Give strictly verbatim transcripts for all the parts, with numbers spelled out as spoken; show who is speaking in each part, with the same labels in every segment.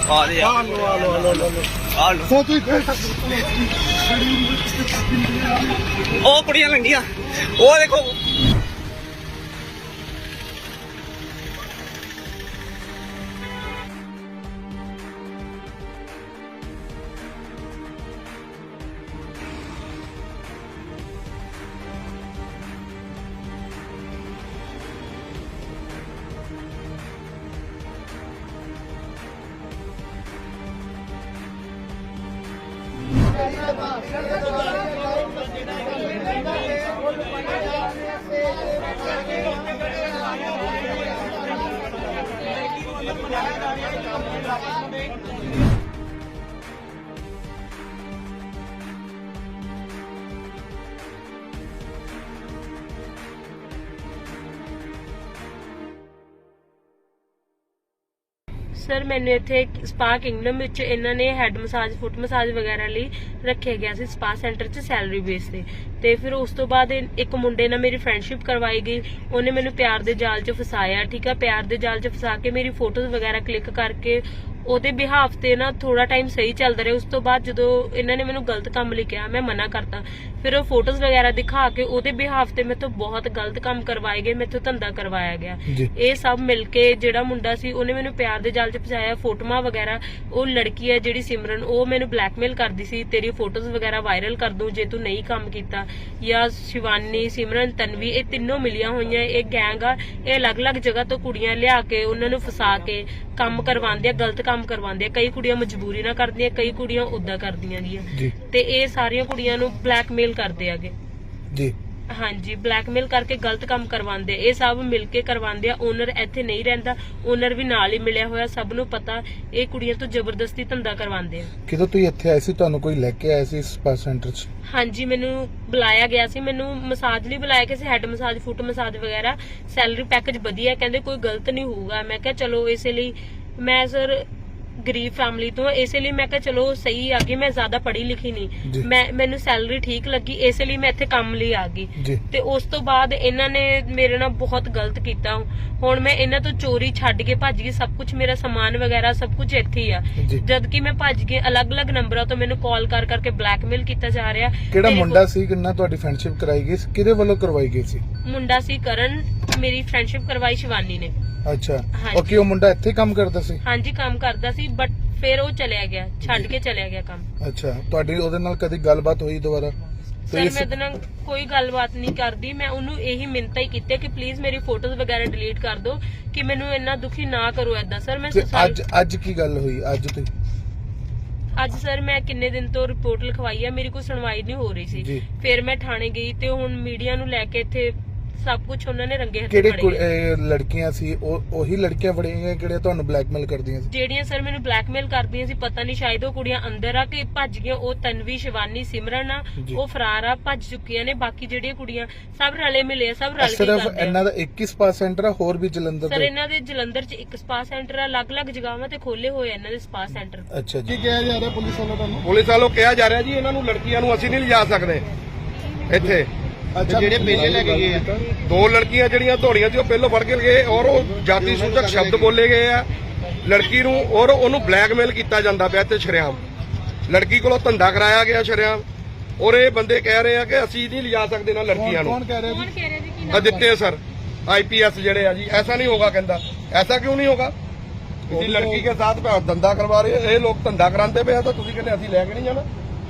Speaker 1: ਆ ਦੇ ਆ ਲੋ ਆ ਲੋ ਆ ਲੋ ਆ ਲੋ ਸੋ ਤੂੰ ਉਹ ਕੁੜੀਆਂ ਲੰਗੀਆਂ ਉਹ ਦੇਖੋ
Speaker 2: सर मैंने इत्थे स्पा किंगडम विच इन्हां ने हैड मसाज फुट मसाज वगैरह लई रखे गया सी स्पा सेंटर च सैलरी बेस ते ते फिर उस तो बाद एक मुंडे नाल मेरी फ्रेंडशिप करवाई गई। उन्हें मैनू प्यार दे जाल च फसाया, ठीक है। प्यार दे जाल च फसा के मेरी फोटोज वगैरह क्लिक करके ਉਹਦੇ ਬਿਹਾਫ ਤੇ ਨਾ ਥੋੜਾ ਟਾਈਮ ਸਹੀ ਚੱਲਦਾ ਰਿਹਾ। ਉਸ ਤੋਂ ਬਾਅਦ ਜਦੋਂ ਇਹਨਾਂ ਨੇ ਮੈਨੂੰ ਗਲਤ ਕੰਮ ਲਈ ਕਿਹਾ, ਮੈਂ ਮਨਾ ਕਰਤਾ। ਫਿਰ ਉਹ ਫੋਟੋਜ਼ ਵਗੈਰਾ ਦਿਖਾ ਕੇ ਉਹਦੇ ਬਿਹਾਫ ਤੇ ਮੇਰੇ ਤੋਂ ਬਹੁਤ ਗਲਤ ਕੰਮ ਕਰਵਾਏ ਗਏ, ਮੇਰੇ ਤੋਂ ਧੰਦਾ ਕਰਵਾਇਆ ਗਿਆ। ਇਹ ਸਭ ਮਿਲ ਕੇ ਜਿਹੜਾ ਮੁੰਡਾ ਸੀ ਉਹਨੇ ਮੈਨੂੰ ਪਿਆਰ ਦੇ ਜਾਲ 'ਚ ਫਸਾਇਆ। ਫੋਟੋਆਂ ਵਗੈਰਾ, ਉਹ ਲੜਕੀ ਹੈ ਜਿਹੜੀ ਸਿਮਰਨ, ਉਹ ਮੈਨੂੰ ਬਲੈਕਮੇਲ ਕਰਦੀ ਸੀ, ਤੇਰੀ ਫੋਟੋਜ਼ ਵਗੈਰਾ ਵਾਇਰਲ ਕਰ ਦੂੰ ਜੇ ਤੂੰ ਨਹੀਂ ਕੰਮ ਕੀਤਾ। ਜਾਂ ਸ਼ਿਵਾਨੀ, ਸਿਮਰਨ, ਤਨਵੀ, ਇਹ ਤਿੰਨੋਂ ਮਿਲੀਆਂ ਹੋਈਆਂ ਇਹ ਗੈਂਗ ਆ। ਇਹ ਅਲੱਗ-ਅਲੱਗ ਜਗ੍ਹਾ ਤੋਂ ਕੁੜੀਆਂ ਲਿਆ ਕੇ ਉਹਨਾਂ ਨੂੰ ਫਸਾ ਕੇ ਕੰਮ ਕਰਵਾਉਂਦੇ ਆ, ਗਲਤ ਕੰਮ ਕਰਵਾਉਂਦੇ ਆ। ਕਈ ਕੁੜੀਆਂ ਮਜਬੂਰੀ ਨਾਲ ਕਰਦੀਆਂ, ਕਈ ਕੁੜੀਆਂ ਉਦਾਂ ਕਰਦੀਆਂ ਗੀਆਂ ਤੇ ਇਹ ਸਾਰੀਆਂ ਕੁੜੀਆਂ ਨੂੰ ਬਲੈਕਮੇਲ ਕਰਦੇ ਆਗੇ ਜੀ। ਹਾਂਜੀ, ਬਲੈਕਮੇਲ ਕਰਕੇ ਗਲਤ ਕੰਮ ਕਰਵਾਉਂਦੇ। ਇਹ ਸਭ ਮਿਲ ਕੇ ਕਰਵਾਉਂਦੇ ਆ। ਓਨਰ ਇੱਥੇ ਨਹੀਂ ਰਹਿੰਦਾ, ਓਨਰ ਵੀ ਨਾਲ ਹੀ ਮਿਲਿਆ ਹੋਇਆ, ਸਭ ਨੂੰ ਪਤਾ। ਇਹ ਕੁੜੀਆਂ ਤੋਂ ਜ਼ਬਰਦਸਤੀ ਧੰਦਾ ਕਰਵਾਉਂਦੇ ਆ।
Speaker 3: ਕਿਦੋਂ ਤੁਸੀਂ ਇੱਥੇ ਆਏ ਸੀ? ਤੁਹਾਨੂੰ ਕੋਈ ਲੈ ਕੇ ਆਇਆ ਸੀ ਸਪਾ ਸੈਂਟਰ 'ਚ?
Speaker 2: ਹਾਂਜੀ, ਮੈਨੂੰ ਬੁਲਾਇਆ ਗਿਆ ਸੀ। ਮੈਨੂੰ ਮਸਾਜ ਲਈ ਬੁਲਾਇਆ ਗਿਆ ਸੀ, ਹੈਡ ਮਸਾਜ, ਫੁੱਟ ਮਸਾਜ ਵਗੈਰਾ। ਸੈਲਰੀ ਪੈਕੇਜ ਵਧੀਆ, ਕਹਿੰਦੇ ਕੋਈ ਗਲਤ ਨਹੀਂ ਹੋਊਗਾ। ਮੈਂ ਕਿਹਾ ਚਲੋ, ਇਸੇ ਲਈ ਮੈਂ ਸਰ ਗਰੀਬ ਫੈਮਿਲੀ ਤੋਂ, ਇਸੇ ਲਈ ਮੈਂ ਕਿਹਾ ਚਲੋ ਸਹੀ ਆ ਗਈ। ਮੈਂ ਜ਼ਿਆਦਾ ਪੜ੍ਹੀ ਲਿਖੀ ਨਹੀਂ, ਮੈਂ ਮੈਨੂੰ ਸੈਲਰੀ ਠੀਕ ਲੱਗੀ, ਇਸੇ ਲਈ ਮੈਂ ਇੱਥੇ ਕੰਮ ਲਈ ਆ ਗਈ। ਤੇ ਉਸ ਤੋਂ ਬਾਅਦ ਇਹਨਾਂ ਨੇ ਮੇਰੇ ਨਾਲ ਬਹੁਤ ਗਲਤ ਕੀਤਾ। ਹੁਣ ਮੈਂ ਇਹਨਾਂ ਤੋਂ ਚੋਰੀ ਛੱਡ ਕੇ ਭੱਜ ਗਈ। ਸਭ ਕੁਝ ਮੇਰਾ ਸਮਾਨ ਵਗੈਰਾ ਸਭ ਕੁਝ ਇੱਥੇ ਹੀ ਆ। ਜਦ ਕਿ ਮੈਂ ਭੱਜ ਕੇ ਅਲੱਗ-ਅਲੱਗ ਨੰਬਰਾਂ ਤੋਂ ਮੈਨੂੰ ਕਾਲ ਕਰ ਕਰਕੇ ਬਲੈਕਮੇਲ ਕੀਤਾ ਜਾ ਰਿਹਾ।
Speaker 3: ਕਿਹੜਾ ਮੁੰਡਾ ਸੀ ਕਿੰਨਾ ਤੁਹਾਡੀ ਫਰੈਂਡਸ਼ਿਪ ਕਰਾਈ ਗਈ? ਕਿਹਦੇ ਵੱਲੋਂ ਕਰਵਾਈ ਗਈ ਸੀ?
Speaker 2: ਮੁੰਡਾ ਸੀ ਕਰਨ, ਮੇਰੀ ਫਰੈਂਡਸ਼ਿਪ ਕਰਵਾਈ ਸ਼ਿਵਾਨੀ ਨੇ।
Speaker 3: ਅੱਛਾ, ਉਹ ਕੀ ਉਹ ਮੁੰਡਾ ਇੱਥੇ ਕੰਮ ਕਰਦਾ ਸੀ? ਹਾਂਜੀ,
Speaker 2: ਕੰਮ ਕਰਦਾ ਸੀ, ਬਟ ਫਿਰ ਉਹ ਚਲਿਆ ਗਿਆ, ਛੱਡ ਕੇ ਚਲਿਆ ਗਿਆ ਕੰਮ।
Speaker 3: ਅੱਛਾ, ਤੁਹਾਡੀ ਉਹਦੇ ਨਾਲ ਕਦੀ ਗੱਲਬਾਤ ਹੋਈ ਦੁਬਾਰਾ?
Speaker 2: ਸਰ ਮੈਂ ਉਹਦੇ ਨਾਲ ਕੋਈ ਗੱਲਬਾਤ ਨਹੀਂ ਕਰਦੀ। ਮੈਂ ਉਹਨੂੰ ਇਹੀ ਮਿੰਨਤਾਂ ਹੀ ਕੀਤੀ ਕਿ ਪਲੀਜ਼ ਮੇਰੀ ਫੋਟੋਜ਼ ਵਗੈਰਾ ਡਿਲੀਟ ਕਰ ਦਿਓ, ਕਿ ਮੈਨੂੰ ਇੰਨਾ ਦੁਖੀ ਨਾ ਕਰੋ ਏਦਾਂ। ਸਰ ਮੈਂ
Speaker 3: ਅੱਜ ਅੱਜ ਕੀ ਗੱਲ ਹੋਈ ਅੱਜ ਤੁਸੀਂ?
Speaker 2: ਅੱਜ ਸਰ ਮੈਂ ਕਿੰਨੇ ਦਿਨ ਤੋਂ ਰਿਪੋਰਟ ਲਿਖਵਾਈ ਆ, ਮੇਰੀ ਕੋਈ ਸੁਣਵਾਈ ਨਹੀਂ ਹੋ ਰਹੀ ਸੀ। ਫਿਰ ਮੈਂ ਥਾਣੇ ਗਈ ਤੇ ਹੁਣ ਮੀਡੀਆ ਨੂੰ ਲੈ ਕੇ ਇੱਥੇ ਸਭ ਕੁਝ ਉਹਨਾਂ ਨੇ ਰੰਗੇ ਹੱਥੀਂ ਫੜਿਆ।
Speaker 3: ਕਿਹੜੇ ਲੜਕੀਆਂ ਸੀ? ਉਹੀ ਲੜਕੀਆਂ ਫੜੀਆਂ ਕਿਹੜੇ ਤੁਹਾਨੂੰ ਬਲੈਕਮੇਲ ਕਰਦੀਆਂ ਸੀ?
Speaker 2: ਜਿਹੜੀਆਂ ਸਰ ਮੈਨੂੰ ਬਲੈਕਮੇਲ ਕਰਦੀਆਂ ਸੀ, ਪਤਾ ਨਹੀਂ ਸ਼ਾਇਦ ਉਹ ਕੁੜੀਆਂ ਅੰਦਰ ਆ ਕੇ ਭੱਜ ਗਈਆਂ। ਉਹ ਤਨਵੀ, ਸ਼ਿਵਾਨੀ, ਸਿਮਰਨ ਆ, ਉਹ ਫਰਾਰ ਆ, ਭੱਜ ਚੁੱਕੀਆਂ ਨੇ। ਬਾਕੀ ਜਿਹੜੀਆਂ ਕੁੜੀਆਂ ਸਭ ਰਲੇ ਮਿਲੇ ਆ, ਸਭ ਰਲ ਕੇ ਕਰਦੇ ਆ।
Speaker 3: ਸਿਰਫ ਇਹਨਾਂ ਦਾ ਇੱਕ ਹੀ ਸਪਾ ਸੈਂਟਰ ਆ, ਹੋਰ ਵੀ ਜਲੰਧਰ?
Speaker 2: ਸਰ ਇਹਨਾਂ ਦੇ ਜਲੰਧਰ 'ਚ ਇੱਕ ਸਪਾ ਸੈਂਟਰ ਆ, ਅਲੱਗ-ਅਲੱਗ ਜਗ੍ਹਾਵਾਂ ਤੇ ਖੋਲੇ ਹੋਏ ਆ ਇਹਨਾਂ ਦੇ ਸਪਾ ਸੈਂਟਰ।
Speaker 3: ਅੱਛਾ ਜੀ, ਕੀ ਕਿਹਾ ਜਾ ਰਿਹਾ ਪੁਲਿਸ ਵੱਲੋਂ ਤੁਹਾਨੂੰ?
Speaker 1: ਪੁਲਿਸ ਵੱਲੋਂ ਕਿਹਾ ਜਾ ਰਿਹਾ ਜੀ ਇਹਨਾਂ ਨੂੰ ਲੜਕੀਆਂ ਨੂੰ ਅਸੀਂ ਨਹੀਂ ਲਿਜਾ ਸਕਦੇ ਇੱਥੇ। ਜਿਹੜੇ ਪਹਿਲੇ ਲੈ ਕੇ ਗਏ ਦੋ ਲੜਕੀਆਂ ਜਿਹੜੀਆਂ ਦੌੜੀਆਂ ਸੀ ਉਹ ਪਹਿਲੋਂ ਫੜ ਕੇ ਗਏ, ਔਰ ਉਹ ਜਾਤੀ ਸੂਚਕ ਸ਼ਬਦ ਬੋਲੇ ਗਏ ਆ ਲੜਕੀ ਨੂੰ, ਔਰ ਉਹਨੂੰ ਬਲੈਕਮੇਲ ਕੀਤਾ ਜਾਂਦਾ ਪਿਆ ਤੇ ਸ਼ਰੇਆਮ ਲੜਕੀ ਕੋਲੋਂ ਧੰਦਾ ਕਰਾਇਆ ਗਿਆ ਸ਼ਰੇਆਮ। ਔਰ ਇਹ ਬੰਦੇ ਕਹਿ ਰਹੇ ਆ ਕਿ ਅਸੀਂ ਨਹੀਂ ਲਿਜਾ ਸਕਦੇ ਨਾ ਲੜਕੀਆਂ ਨੂੰ।
Speaker 3: ਕੌਣ ਕਹਿ ਰਿਹਾ ਜੀ?
Speaker 1: ਅਦਿੱਤੇ ਸਰ, ਆਈਪੀਐਸ ਜਿਹੜੇ ਆ ਜੀ। ਐਸਾ ਨਹੀਂ ਹੋਗਾ, ਕਹਿੰਦਾ ਐਸਾ ਕਿਉਂ ਨਹੀਂ ਹੋਗਾ? ਤੁਸੀਂ ਲੜਕੀ ਕੇ ਸਾਥ ਧੰਦਾ ਕਰਵਾ ਰਹੇ, ਇਹ ਲੋਕ ਧੰਦਾ ਕਰਾਉਂਦੇ ਪਏ ਆ ਤਾਂ ਤੁਸੀਂ ਕਹਿੰਦੇ ਅਸੀਂ ਲੈ ਕੇ ਨਹੀਂ ਜਾਣਾ।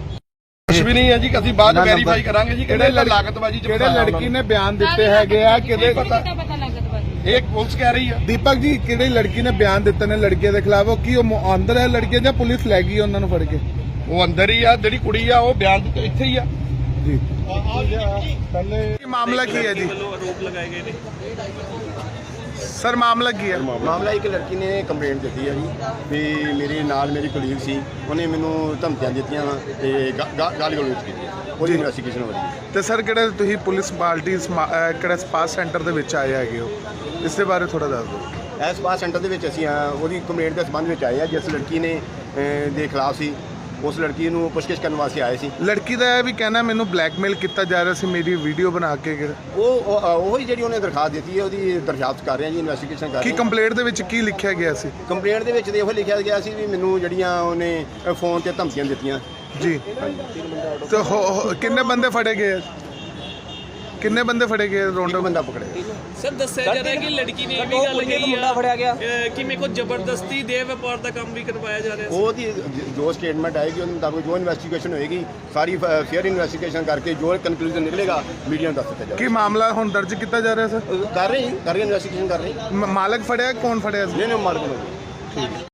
Speaker 1: ਕੁਝ ਵੀ ਨਹੀਂ ਹੈ ਜੀ, ਅਸੀਂ ਬਾਅਦ ਵੈਰੀਫਾਈ ਕਰਾਂਗੇ ਜੀ ਕਿਹੜੇ ਲਾਗਤਬਾਜ਼ੀ ਚ
Speaker 3: ਕਿਹੜੇ ਲੜਕੀ ਨੇ ਬਿਆਨ ਦਿੱਤੇ ਹੈਗੇ ਆ? ਕਿਹਦੇ
Speaker 2: ਪਤਾ ਲਾਗਤਬਾਜ਼ੀ
Speaker 1: ਇਹ ਪੁਲਿਸ ਕਹਿ ਰਹੀ ਆ।
Speaker 3: ਦੀਪਕ ਜੀ, ਕਿਹੜੀ ਲੜਕੀ ਨੇ ਬਿਆਨ ਦਿੱਤੇ ਨੇ ਲੜਕੀਆਂ ਦੇ ਖਿਲਾਫ? ਉਹ ਕੀ ਉਹ ਅੰਦਰ ਹੈ ਲੜਕੀਆਂ ਜਾਂ ਪੁਲਿਸ ਲੈ ਗਈ ਉਹਨਾਂ ਨੂੰ ਫੜ ਕੇ?
Speaker 1: ਉਹ ਅੰਦਰ ਹੀ ਆ, ਜਿਹੜੀ ਕੁੜੀ ਆ ਉਹ ਬਿਆਨ ਦਿੱਤੇ ਇੱਥੇ ਹੀ ਆ
Speaker 3: ਜੀ। ਪਹਿਲੇ ਮਾਮਲਾ ਕੀ ਹੈ ਜੀ?
Speaker 4: ਆਰੋਪ ਲਗਾਏ ਗਏ ਨੇ
Speaker 3: ਸਰ, ਮਾਮਲਾ ਕੀ ਹੈ?
Speaker 5: ਮਾਮਲਾ ਇੱਕ ਲੜਕੀ ਨੇ ਕੰਪਲੇਂਟ ਦਿੱਤੀ ਹੈ ਜੀ ਵੀ ਮੇਰੇ ਨਾਲ ਮੇਰੀ ਕੁਲੀਗ ਸੀ, ਉਹਨੇ ਮੈਨੂੰ ਧਮਕੀਆਂ ਦਿੱਤੀਆਂ ਤੇ ਗਾਲੀ ਗਲੋਚ ਕੀਤੀ, ਉਹਦੀ ਇਨਵੈਸਟੀਗੇਸ਼ਨ ਹੋ ਰਹੀ ਹੈ।
Speaker 3: ਤੇ ਸਰ, ਕਿਹੜੇ ਤੁਸੀਂ ਪੁਲਿਸ ਪਾਰਟੀ ਕਿਹੜੇ ਸਪਾ ਸੈਂਟਰ ਦੇ ਵਿੱਚ ਆਏ ਹੈਗੇ ਹੋ, ਇਸ ਦੇ ਬਾਰੇ ਥੋੜਾ ਦੱਸ ਦਿਓ।
Speaker 5: ਇਸ ਸਪਾ ਸੈਂਟਰ ਦੇ ਵਿੱਚ ਅਸੀਂ ਉਹਦੀ ਕੰਪਲੇਂਟ ਦੇ ਸੰਬੰਧ ਵਿੱਚ ਆਏ ਆ, ਜਿਸ ਲੜਕੀ ਨੇ ਦੇ ਖਿਲਾਫ ਸੀ ਉਸ ਲੜਕੀ ਨੂੰ ਪੁੱਛਗਿੱਛ ਕਰਨ ਵਾਸਤੇ ਆਏ ਸੀ।
Speaker 3: ਲੜਕੀ ਦਾ ਇਹ ਵੀ ਕਹਿਣਾ ਮੈਨੂੰ ਬਲੈਕਮੇਲ ਕੀਤਾ ਜਾ ਰਿਹਾ ਸੀ ਮੇਰੀ ਵੀਡੀਓ ਬਣਾ ਕੇ।
Speaker 5: ਉਹ ਉਹ ਹੀ ਜਿਹੜੀ ਉਹਨੇ ਦਰਖਾਸਤ ਦਿੱਤੀ ਹੈ ਉਹਦੀ ਦਰਖਾਸਤ ਕਰ ਰਹੇ ਹਾਂ ਜੀ, ਇਨਵੈਸਟੀਗੇਸ਼ਨ ਕਰ
Speaker 3: ਕੀ
Speaker 5: ਰਹੇ ਹਾਂ।
Speaker 3: ਕੰਪਲੇਂਟ ਦੇ ਵਿੱਚ ਕੀ ਲਿਖਿਆ ਗਿਆ ਸੀ?
Speaker 5: ਕੰਪਲੇਂਟ ਦੇ ਵਿੱਚ ਤੇ ਇਹੋ ਲਿਖਿਆ ਗਿਆ ਸੀ ਵੀ ਮੈਨੂੰ ਜਿਹੜੀਆਂ ਉਹਨੇ ਫੋਨ ਤੇ ਧਮਕੀਆਂ ਦਿੱਤੀਆਂ।
Speaker 3: ਜੀ ਤੇ ਹੋ- ਹੋ- ਕਿੰਨੇ ਬੰਦੇ ਫੜੇ ਗਏ? ਕਿੰਨੇ ਬੰਦੇ ਫੜੇ ਗਏ?
Speaker 5: ਇੱਕ
Speaker 3: ਰੌਂਡਾ
Speaker 5: ਬੰਦਾ ਪਕੜਿਆ।
Speaker 4: ਸਰ ਦੱਸਿਆ ਜਾ ਰਿਹਾ ਕਿ ਲੜਕੀ ਨੇ ਇਹ ਵੀ ਗੱਲ ਕਹੀ ਆ ਅਹ, ਕਿ ਮੇਰੇ ਕੋਲ ਜ਼ਬਰਦਸਤੀ ਦੇ ਵਪਾਰ ਦਾ ਕੰਮ ਵੀ ਕਰਵਾਇਆ ਜਾ ਰਿਹਾ ਸੀ।
Speaker 5: ਉਹਦੀ ਜ- ਜੋ ਸਟੇਟਮੈਂਟ ਆਏਗੀ ਉਹਦੇ ਮੁਤਾਬਕ ਜੋ ਇਨਵੈਸਟੀਗੇਸ਼ਨ ਹੋਏਗੀ ਸਾਰੀ ਫੇਅਰ ਇਨਵੈਸਟੀਗੇਸ਼ਨ ਕਰਕੇ ਜੋ ਕਨਕਲੂਜਨ ਨਿਕਲੇਗਾ ਮੀਡੀਆ ਨੂੰ ਦੱਸ ਦਿੱਤਾ
Speaker 3: ਕੀ
Speaker 5: ਜਾਏਗਾ।
Speaker 3: ਮਾਮਲਾ ਹੁਣ ਦਰਜ ਕੀਤਾ ਜਾ ਰਿਹਾ ਸਰ?
Speaker 5: ਕਰ ਰਹੇ ਜੀ, ਕਰ ਰਹੇ ਇਨਵੈਸਟੀਗੇਸ਼ਨ ਕਰ ਰਹੇ
Speaker 3: ਮ- ਮਾਲਕ ਫੜਿਆ? ਕੌਣ ਫੜਿਆ ਸੀ?
Speaker 5: ਨਹੀਂ ਨਹੀਂ ਮਾਲਕ ਨੂੰ